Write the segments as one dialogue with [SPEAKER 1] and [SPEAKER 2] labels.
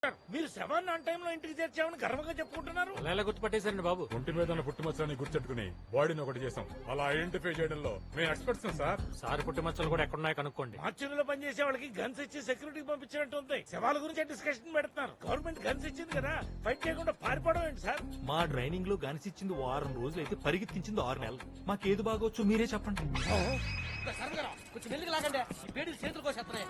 [SPEAKER 1] మీరు శవాన్ని ఆన్ టైంలో ఇంటికి చేర్చామని గర్వంగా చెప్పుకుంటున్నారు.
[SPEAKER 2] అలా గుర్తుపట్టేశారండి బాబు.
[SPEAKER 3] ఒంటి మీద ఉన్న పుట్టుమచ్చని గుర్తెట్టుకుని బాడీని ఒకటి చేసాం. అలా ఐడెంటిఫై చేయడంలో మేము ఎక్స్పర్ట్స్ సార్.
[SPEAKER 2] సార్ పుట్టుమచ్చలు కూడా ఎక్కడున్నాయో కనుక్కోండి.
[SPEAKER 1] మార్చురీలో పనిచేసే వాళ్ళకి గన్స్ ఇచ్చి సెక్యూరిటీ పంపించినట్టు ఉంది. శవాల గురించి డిస్కషన్ పెడుతున్నారు. గవర్నమెంట్ గన్స్ ఇచ్చింది కదా, ఫైట్ చేయకుండా పారిపోవడం ఏంటి సార్?
[SPEAKER 4] మా ట్రైనింగ్ లో గనిసిచ్చింది 6 రోజులు అయితే పరిగెత్తించింది 6 నెలలు. మాకేది బాగోచ్చు మీరే చెప్పండి.
[SPEAKER 5] కొంచెం మెల్లిగా లాగండి, ఈ పేడీలు చేతులు కోసేస్తున్నాయి.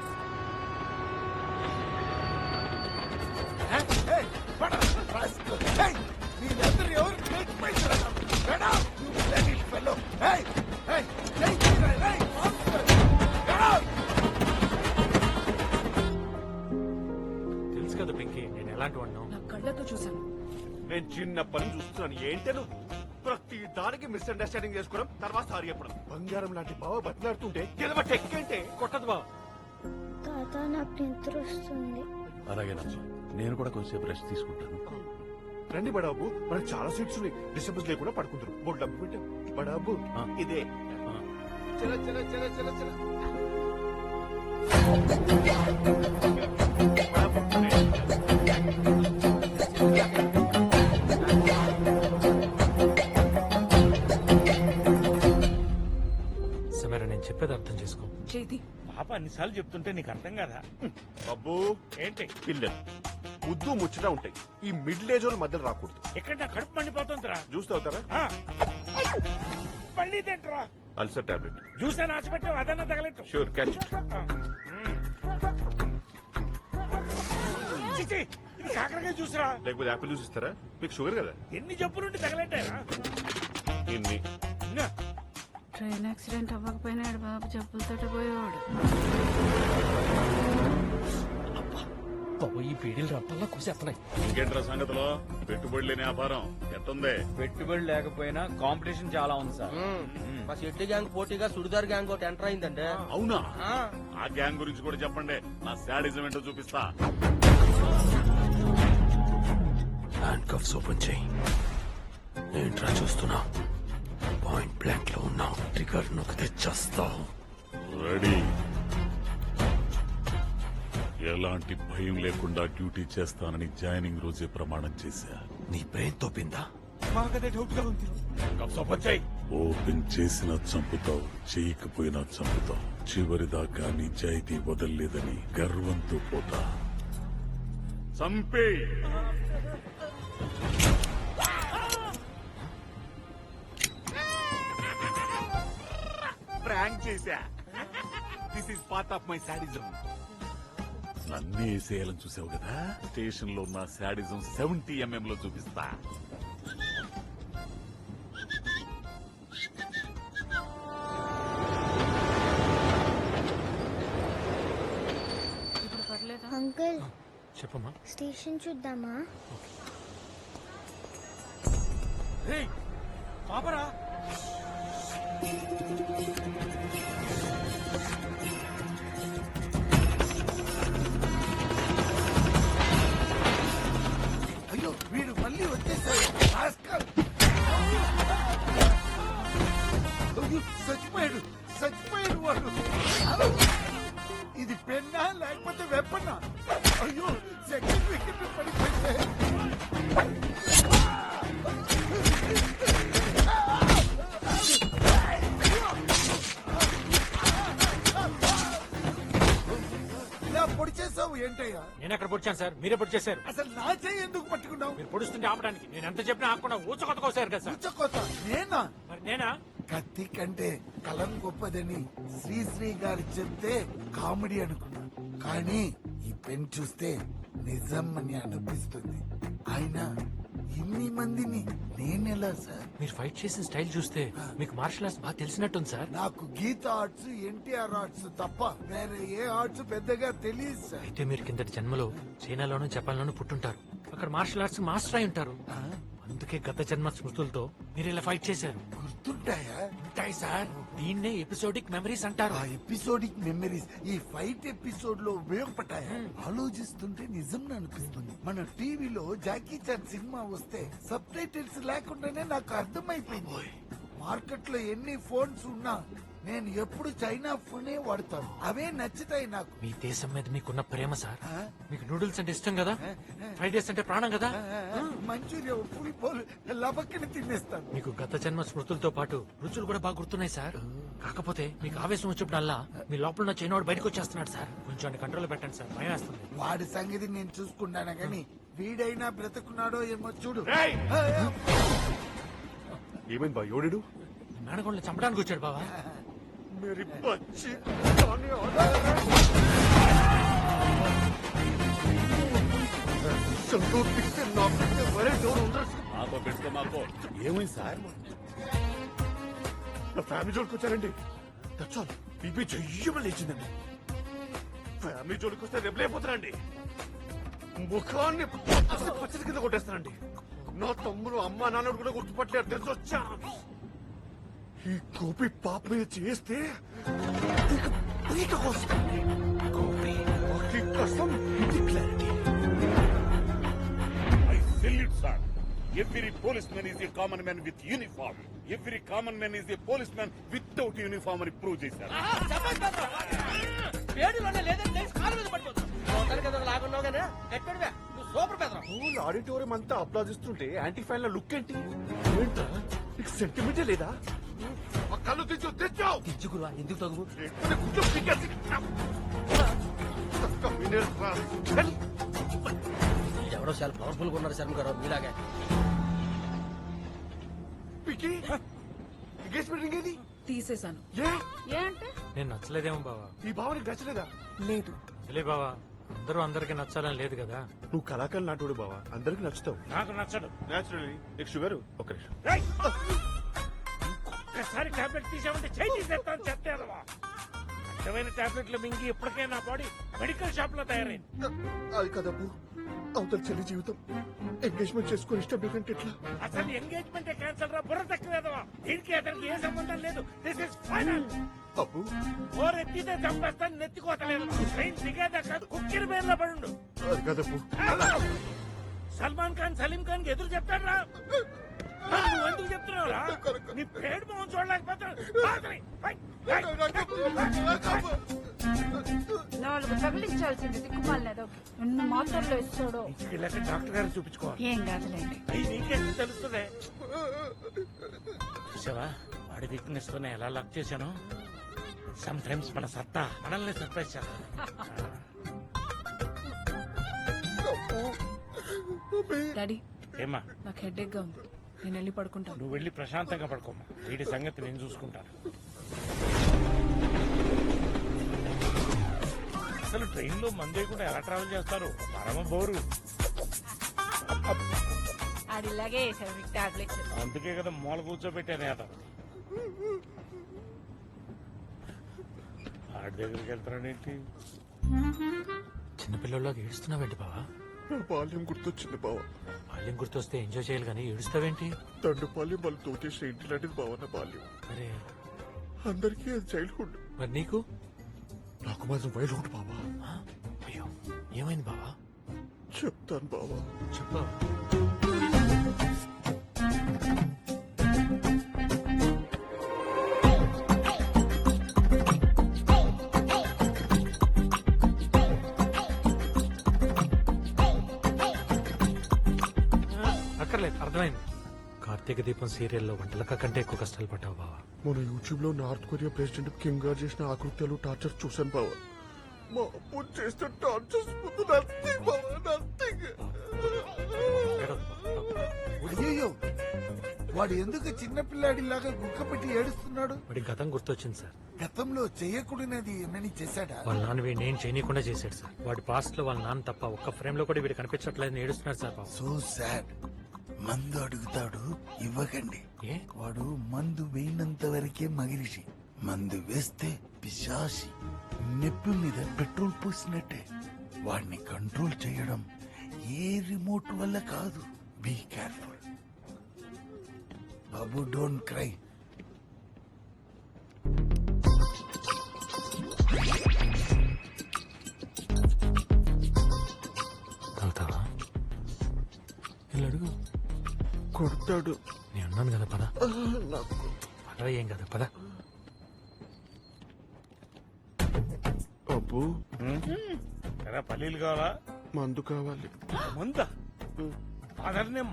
[SPEAKER 2] తెలుసు కదా పింకీ, నేను ఎలాంటి వాడినో.
[SPEAKER 6] నా కళ్ళతో చూశాను.
[SPEAKER 7] నేను చిన్నప్పటి నుంచి చూస్తున్నాను. ఏంటే నువ్వు ప్రతి దానికి మిస్అండర్స్టాండింగ్ చేసుకోవడం, తర్వాత సారీ చెప్పడం. బంగారం లాంటి బావ బతిలాడుతుంటే గెలవ టెక్కంటే
[SPEAKER 2] కొట్టదు బావ.
[SPEAKER 8] తాత నాకు నిద్ర వస్తుంది.
[SPEAKER 9] అలాగే నేను కూడా కొంచెంసేపు రెస్ట్ తీసుకుంటాను.
[SPEAKER 7] రండి బడాబు, మనకు చాలా సీట్స్ ఉన్నాయి. డిస్టర్బెన్స్ లేకుండా పడుకుంటారు. బోర్డు డబ్బు పెట్టాం. బడాబు ఇదే. చల చల చల చల చల.
[SPEAKER 2] సమీర, నేను చెప్పేది అర్థం చేసుకో.
[SPEAKER 6] చేతి
[SPEAKER 1] పాప అన్నిసార్లు చెప్తుంటే నీకు అర్థం కాదా?
[SPEAKER 7] అబ్బో
[SPEAKER 1] ఏంటి
[SPEAKER 7] పిల్లలు ముద్దు ముచ్చట ఉంటాయి. ఈ మిడిల్ ఏజ్ వాళ్ళ మధ్యలో రాకూడదు.
[SPEAKER 1] ఎక్కడ నా కడుపు మండిపోతుందిరా.
[SPEAKER 7] జ్యూస్ తాగుతారా?
[SPEAKER 1] మళ్ళీ తింటరా.
[SPEAKER 7] Ulcer tablet.
[SPEAKER 1] జ్యూస్ అని ఆశపెట్టావు, అదన్నా తగలెట్టు.
[SPEAKER 7] Sure catch.
[SPEAKER 1] చిచి, ఇది కాకరకాయ జ్యూస్రా.
[SPEAKER 7] లేకపోతే యాపిల్ జ్యూస్ ఇస్తారా? మీకు షుగర్ కదా.
[SPEAKER 1] ఎన్ని జబ్బులుంటే తగలెట్టారా?
[SPEAKER 7] ఇన్ని.
[SPEAKER 6] ట్రైన్ యాక్సిడెంట్ అవ్వకపోయినాడు బాబు, జబ్బులతో పోయేవాడు.
[SPEAKER 5] ఈ పేడీలు రప్పల్లా కోసేస్తున్నాయి.
[SPEAKER 9] ఇంకేంట్రా సంగతిలో పెట్టుబడి లేని వ్యాపారం ఎట్టుంది?
[SPEAKER 10] పెట్టుబడి లేకపోయినా కాంపిటీషన్ చాలా ఉంది సార్.
[SPEAKER 5] మా షెట్టి గ్యాంగ్ పోటీగా సుడిదార్ గ్యాంగ్ ఒకటి ఎంటర్ అయిందంటే.
[SPEAKER 9] అవునా? ఆ గ్యాంగ్ గురించి కూడా చెప్పండి, నా శాడిజం ఏంటో చూపిస్తా. హ్యాండ్ కఫ్స్ ఓపెన్ చేయి. ఏంట్రా చూస్తున్నా? పాయింట్ బ్లాంక్ లో ఉన్నావు. ట్రిగర్ నొక్కితే చస్తావు. రెడీ. ఎలాంటి భయం లేకుండా డ్యూటీ చేస్తానని జాయినింగ్ రోజే ప్రమాణం చేశా. నీ బ్రెయిన్ తోపిందా? ఓపెన్ చేసినా చంపుతావు, చేయకపోయినా చంపుతావు. చివరిదాకా నిజాయితీ వదల్లేదని గర్వంతో పోతా. చంపే.
[SPEAKER 7] ప్రాంక్ చేశా. This is part of my sadism.
[SPEAKER 9] నన్నే వేసేయాలని చూసావు కదా? స్టేషన్ లో ఉన్న శాడిజం 70 mm లో చూపిస్తా.
[SPEAKER 6] ఇప్పుడు పర్లేదా?
[SPEAKER 8] అంకుల్,
[SPEAKER 2] చెప్పమ్మా.
[SPEAKER 8] స్టేషన్ చూద్దామా?
[SPEAKER 1] పాపరా.
[SPEAKER 11] అయ్యో, వీడు మళ్ళీ వచ్చేసాడు. చచ్చిపోయాడు, చచ్చిపోయాడు వాడు. ఇది పెన్నా లేకపోతే వెప్పన్నా? అయ్యో, సెకండ్ వికెట్ పడిపోయింది. ఇలా పొడి చేసావు ఏంటయ్యా?
[SPEAKER 2] నేను ఎక్కడ పొడిచాను సార్? మీరే పొడిచేశారు.
[SPEAKER 11] అసలు నా చెయ్యి ఎందుకు పట్టుకున్నావు?
[SPEAKER 2] మీరు పొడుస్తుంటే ఆపడానికి నేను ఎంత చెప్పినా ఆపకుండా ఊచకొత్తకోసారు కదా సార్.
[SPEAKER 11] ఉచ్చకోత నేనా?
[SPEAKER 2] మరి నేనా?
[SPEAKER 11] కత్తి కంటే కలం గొప్పదని శ్రీశ్రీ గారు చెప్తే కామెడీ అనుకున్నా, కానీ ఈ పెన్ చూస్తే నిజం అని అనిపిస్తుంది. అయినా ఇన్ని మందిని నేనెలా సార్?
[SPEAKER 2] మీరు ఫైట్ చేసిన స్టైల్ చూస్తే మీకు మార్షల్ ఆర్ట్స్ బాగా తెలిసినట్టుంది సార్.
[SPEAKER 11] నాకు గీత ఆర్ట్స్, ఎన్టీఆర్ ఆర్ట్స్ తప్ప వేరే ఏ ఆర్ట్స్ పెద్దగా తెలియదు సార్.
[SPEAKER 2] అయితే మీరు కిందటి జన్మలో చైనాలోనూ జపాన్లోనూ పుట్టుంటారు. అక్కడ మార్షల్ ఆర్ట్స్ మాస్టర్ అయి ఉంటారు. అందుకే గత జన్మ స్మృతులతో మీరు ఇలా ఫైట్ చేశారు.
[SPEAKER 11] గుర్తుంటాయా?
[SPEAKER 2] ఉంటాయి సార్. దీన్నే ఎపిసోడిక్ మెమరీస్ అంటారు.
[SPEAKER 11] ఆ ఎపిసోడిక్ మెమరీస్ ఈ ఫైట్ ఎపిసోడ్ లో ఉపయోగపడ్డాయా? ఆలోచిస్తుంటే నిజం అనిపిస్తుంది. మన టీవీలో జాకీ చాన్ సినిమా వస్తే సబ్ టైటిల్స్ లేకుండానే నాకు అర్థమైపోయింది. మార్కెట్ లో ఎన్ని ఫోన్స్ ఉన్నా నేను ఎప్పుడు చైనా ఫోనే వాడతాను. అవే నచ్చుతాయి నాకు.
[SPEAKER 2] మీ దేశం మీద మీకున్న ప్రేమ సార్.
[SPEAKER 11] ఆ?
[SPEAKER 2] మీకు నూడిల్స్ అంటే ఇష్టం కదా, ఫ్రైడ్ రైస్ అంటే ప్రాణం కదా.
[SPEAKER 11] మంచూరియా పులిపోలు లబక్కని తినేస్తాను.
[SPEAKER 2] మీకు గత జన్మ స్మృతులతో పాటు రుచులు కూడా బాగా గుర్తున్నాయి సార్. కాకపోతే మీకు ఆవేశం వచ్చినప్పుడల్లా మీ లోపల ఉన్న చైనాడు బయటకు వచ్చేస్తున్నాడు సార్. కొంచెం కంట్రోల్ పెట్టండి సార్, భయం వేస్తుంది.
[SPEAKER 11] వాడి సంగతి నేను చూసుకుంటాను గాని వీడైనా బ్రతుకున్నాడో ఏమో చూడు.
[SPEAKER 7] రేయ్! ఏమైంది బా ఎవడు
[SPEAKER 2] మేనగోళ్ళని చంపడానికి వచ్చాడు బావా.
[SPEAKER 7] मेरी बच्ची
[SPEAKER 9] మాకో పెట్టుకో మాకో. ఏమైంది సార్?
[SPEAKER 7] నా ఫ్యామిలీ జోలికి వచ్చారండి. దచ్చాలు బీపీ చెయ్యమని లేచిందండి. ఫ్యామిలీ జోలికి వస్తే రెబులైపోతారండి. ముఖాన్ని పచ్చడి కింద కొట్టేస్తానండి. నా తమ్ముడు అమ్మ నాన్నడు కూడా గుర్తుపట్టలేరు. తెలిసి వచ్చా ఈ గోపి పాప మీద చేస్తే పీక కోస్తాను. గోపి కోసం ఇది clarity.
[SPEAKER 9] I salute, sir. Every policeman is a common man with uniform. Every common man is a policeman without uniform అని ప్రూవ్ చేశారు.
[SPEAKER 5] పేడులోనే లేదని తెలిసి కాలు మీద పడిపోతాం. మొత్తానికి ఏదో లాగున్నావు కానీ ఎక్కడివే నువ్వు సూపర్ పెదరా.
[SPEAKER 7] స్కూల్ ఆడిటోరియం అంతా అప్లాదిస్తుంటే యాంటీ ఫ్యాన్ ల లుక్ ఏంటి? ఏంటా నీకు సెంటిమెంటే లేదా? ఆ కళ్ళు తెచ్చావు
[SPEAKER 5] తెచ్చుకురా ఎందుకు తగు ఎవడో చాలా పవర్ఫుల్ గా ఉన్నారు శర్మ గారు మీలాగే.
[SPEAKER 7] ఎంగేజ్మెంట్ రింగ్ ఏది?
[SPEAKER 6] తీసేశాను.
[SPEAKER 7] ఏ
[SPEAKER 6] ఏ అంటే
[SPEAKER 2] నేను నచ్చలేదేమో బావా.
[SPEAKER 7] ఈ భావానికి నచ్చలేదా?
[SPEAKER 6] లేదు.
[SPEAKER 2] తెలియ బావా, అందరూ అందరికి నచ్చాలని లేదు కదా.
[SPEAKER 7] నువ్వు కళాకారులు నాటోడు బావా, అందరికి నచ్చుతావు.
[SPEAKER 1] నాకు నచ్చడు.
[SPEAKER 7] నేచురల్లీ నీకు షుగర్ ఒక నిమిషం.
[SPEAKER 1] రేయ్! ఒక్కసారి టాబ్లెట్ తీసామంటే చేయి తీసేస్తాను చెప్తావా. అడ్డమైన టాబ్లెట్లు మింగి ఇప్పటికే నా బాడీ మెడికల్ షాప్ లో తయారైంది.
[SPEAKER 7] అది కదబ్బు, అవతల చెల్లి జీవితం ఎంగేజ్మెంట్ చేసుకుని ఇష్టం లేదంటే ఎట్లా?
[SPEAKER 1] అసలు ఎంగేజ్మెంట్ క్యాన్సల్ రా, బుర్ర తక్కువేదవా. దీనికి అతనికి ఏ సంబంధం లేదు. This is final.
[SPEAKER 7] అబ్బు
[SPEAKER 1] ఓ రెత్తితే చంపేస్తాను, నెత్తికోతలేదు. ట్రైన్ దిగేదాకా కుక్కిరి పేర్లో పడుండు.
[SPEAKER 7] అది కదబ్బు.
[SPEAKER 1] సల్మాన్ ఖాన్ సలీం ఖాన్ కి ఎదురు చెప్తాడు రా. నువ్వు ఎందుకు చెప్తున్నావురా? నీ పేరు మొహం చూడలేకపోతాడు.
[SPEAKER 6] నాలుగు తగిలించాల్సింది దిక్కుమాలేదు. ఎన్ని మాత్రలు ఇస్తాడో.
[SPEAKER 1] ఇంటికి డాక్టర్ గారు చూపించుకోవాలి.
[SPEAKER 6] ఏం కాదులేండి.
[SPEAKER 1] అయ్యి నీకేం తెలుస్తుంది. చూసావా వాడి వీక్నెస్ తోనే ఎలా లాక్ చేశాను. సమ్ టైమ్స్ మన సత్తా మనల్ని సర్ప్రైజ్ చేస్తాను.
[SPEAKER 6] డాడీ
[SPEAKER 1] ఏమా
[SPEAKER 6] నాకు హెడేక్ గా ఉంది. నేను వెళ్ళి పడుకుంటాను.
[SPEAKER 1] నువ్వు వెళ్ళి ప్రశాంతంగా పడుకోమ్మా. వీడి సంగతి నేను చూసుకుంటాను. అసలు ట్రైన్ లో మందే కూడా ఎలా ట్రావెల్ చేస్తారు? పరమ బోరు.
[SPEAKER 6] అది ఇలాగే వేసాడు మీకు టాబ్లెట్స్.
[SPEAKER 1] అందుకే కదా మూల కూర్చోబెట్టాను అతను. ఆడి దగ్గరికి వెళ్తానేంటి?
[SPEAKER 2] చిన్నపిల్లల్లోకి ఏడుస్తున్నావేంటి బావా?
[SPEAKER 7] నా బాల్యం గుర్తొచ్చింది బావ.
[SPEAKER 2] బాల్యం గుర్తొస్తే ఎంజాయ్ చేయాలి కానీ ఏడుస్తావేంటి?
[SPEAKER 7] తండ్రి బాల్యం వాళ్ళు తోచేసిన ఇంటి లాంటిది బావ నా బాల్యం.
[SPEAKER 2] అరే
[SPEAKER 7] అందరికీ అది చైల్డ్హుడ్,
[SPEAKER 2] మరి నీకు?
[SPEAKER 7] నాకు మాత్రం వైల్డ్హుడ్ బావా.
[SPEAKER 2] ఆ? అయ్యో ఏమైంది బావా?
[SPEAKER 7] చెప్తాను బావా.
[SPEAKER 2] చెప్పు. అక్కర్లేదు, అర్థమైంది. కార్తీక దీపం సీరియల్లో వంటలక కంటే ఎక్కువ కష్టాలు పడ్డావు బావా.
[SPEAKER 7] మన యూట్యూబ్ లో నార్త్ కొరియా ప్రెసిడెంట్ కిమ్ గారు చేసిన ఆకృత్యాలు టార్చర్ చూశాను బావా. మా అప్పు చేసిన టార్చర్స్ ముందు నథింగ్ బావా, నథింగ్.
[SPEAKER 11] అయ్యో వాడు ఎందుకు చిన్నపిల్లాడిలాగా గుక్క పెట్టి ఏడుస్తున్నాడు?
[SPEAKER 2] వాడి గతం గుర్తొచ్చింది సార్.
[SPEAKER 11] గతంలో చేయకూడనిది ఏమని చేశాడా?
[SPEAKER 2] వాళ్ళ నాన్న వీడిని ఏం చేయనీయకుండా చేశాడు సార్. వాడి పాస్ట్ లో వాళ్ళ నాన్న తప్ప ఒక్క ఫ్రేమ్ లో కూడా వీడు కనిపించట్లేదని ఏడుస్తున్నాడు సార్ పాపం.
[SPEAKER 11] So sad. మందు అడుగుతాడు, ఇవ్వకండి.
[SPEAKER 2] ఏ?
[SPEAKER 11] వాడు మందు వేయినంత వరకే మగిరిషి. మందు వేస్తే పిశాసి. నెప్పి మీద పెట్రోల్ పోసినట్టే. వాడిని కంట్రోల్ చేయడం ఏ రిమోట్ వల్ల కాదు. బీ కేర్ఫుల్ బాబు, డోంట్ క్రై.
[SPEAKER 2] తాగుతావా? వీళ్ళు అడుగు.
[SPEAKER 7] కొడతాడు.
[SPEAKER 2] నేను అన్నాను కదా పద.
[SPEAKER 7] నాకు
[SPEAKER 2] పదవ ఏం కదా పద.
[SPEAKER 7] చెప్పు
[SPEAKER 1] ఎరా పల్లీలు కావాలా
[SPEAKER 7] మందు కావాలి
[SPEAKER 1] ముందా ఫాదర్ని